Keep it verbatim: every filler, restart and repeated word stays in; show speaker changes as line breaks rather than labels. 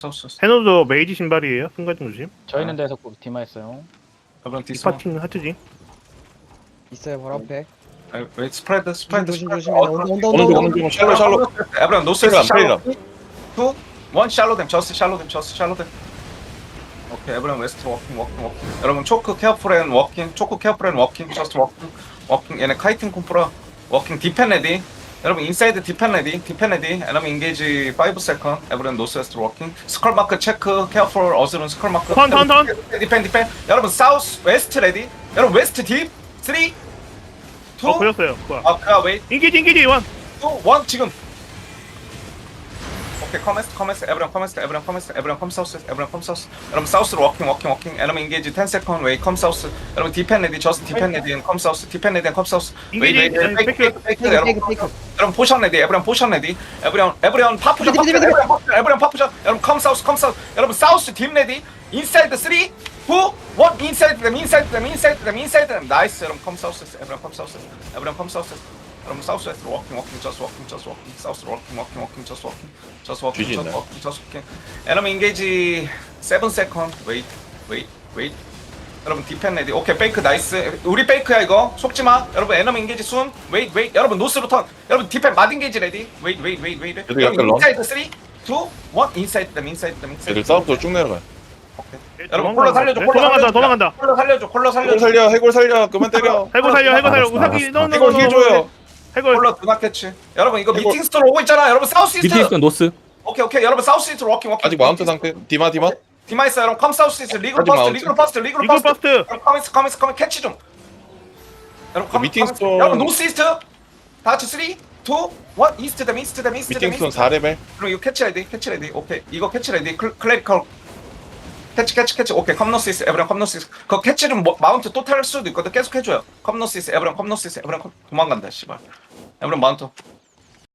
사우스.
해노도 메이지 신발이에요. 순간 좀 조심.
저 있는 데서 디마했어요.
에브런
이
디스.
파티는 하트지.
있어요 바로 앞에.
아, 웨이트 스프레드 스프레드
조심
스프레드.
조심. 온다 온다 온다
어느
온다.
정도 샬로 샬로
에브런 노스
프리라,
샬로.
프리라.
투 원 샬로 댐 저스 샬로 댐 저스 샬로 댐. 오케이 에브런 웨스트 워킹 워킹 워킹. 여러분 초크 케어풀 앤 워킹 초크 케어풀 앤 워킹 저스트 워킹 워킹 얘네 카이팅 콤프라 워킹 디펜 레디. 여러분 인사이드 디펜 레디 디펜 레디. 여러분 인게이지 파이브 세컨. 에브런 노스 웨스트 워킹. 스컬 마크 체크 케어풀 어스룬 스컬 마크.
턴, 턴, 턴.
디펜 디펜. 여러분 사우스 웨스트 레디. 여러분 웨스트 딥 쓰리
어
투
보였어요. 뭐야?
아, 아, 웨이
인기지 인기지 원.
투 원 지금. 오케이, 커메스, 커메스, 에브리언 커메스, 에브리언 커메스, 에브리언 컴 사우스, 에브리언 컴 사우스. 여러분 사우스로 워킹, 워킹, 워킹. 여러분 인게이지 텐 세컨드 웨이 컴 사우스. 여러분 디펜 레디, 저스트 디펜 레디 앤 컴 사우스, 디펜 레디 앤컴 사우스. 웨이, 웨이, 웨이, 페이크, 페이크, 페이크. 여러분, 여러분 포션 레디, 에브리언 포션 레디, 에브리언, 에브리언 파푸션, 파푸션, 에브리언 파푸션, 에브리언 파푸션. 여러분 컴 사우스, 컴 사우스. 여러분 사우스 딥 레디, 인사이드 쓰리, 투, 원, 인사이드 댐, 인사이드 댐, 인사이드 댐, 인사이드 댐. 나이스. 여러분 컴 사우스, 에브리언 컴 사우스, 에브리언 컴 사우스. 여러분 사우스 웨스트로 워킹 워킹 저스 워킹 저스 워킹 사우스로 워킹 워킹 워킹 저스 워킹 저스 워킹
뒤지
저스
있나요?
워킹 저스 워킹. 여러분 인게이지 세븐 세컨드 웨이트 웨이트 웨이트. 여러분 디펜 레디. 오케이 페이크 나이스. 우리 페이크야 이거 속지마. 여러분 에너미 인게이지 순 웨이트 웨이트. 여러분 노스로 턴. 여러분 디펜 마드 인게이지 레디. 웨이트 웨이트 웨이트 웨이트.
얘들 약간 런?
인사이드 쓰리 투 원 인사이드 댐 인사이드 댐 인사이드
애들 싸움부터 쭉 내려가요.
여러분 콜러 살려줘 콜러
도망간다
살려줘.
도망간다.
콜러 살려줘 콜러
해골
살려줘.
살려 해골 살려 그만 때려.
해골 살려 해골 살려.
알았어,
우사기
알았어.
너너
해골 힐 줘요.
해골.
콜러 두나 캐치. 여러분 이거
해골.
미팅 스토어 오고 있잖아. 여러분 사우스 이스트.
미팅 있으면 노스.
오케이 오케이 여러분 사우스 이스트 워킹 워킹.
아직 마운트 상태. 디마 디마.
디마이스 여러분 컴 사우스 이스트 리그로
아직
퍼스트
마운트.
리그로 퍼스트 리그로
이글
퍼스트.
퍼스트.
여러분 커미스 커미스 커미 캐치 좀. 여러분 커미
미팅
커미스.
스토어.
여러분 노스 이스트. 다 같이 쓰리 투 원 이스트 댐 이스트 댐 이스트 댐
미팅 스톤
이스트.
사 레벨.
그럼 이거 캐치 레디 캐치 레디. 오케이 이거 캐치 레디. 클 클래리컬. 캐치 캐치 캐치. 오케이 컴노스 이스트 에브리언 컴노스 이스트. 그 캐치 좀 뭐- 마운트 또 탈 수도 있거든. 계속 해줘요. 컴노스 이스트 에브리언 컴노스 이스트 에브리언 컴- 도망간다 씨발. 에브리언 마운트.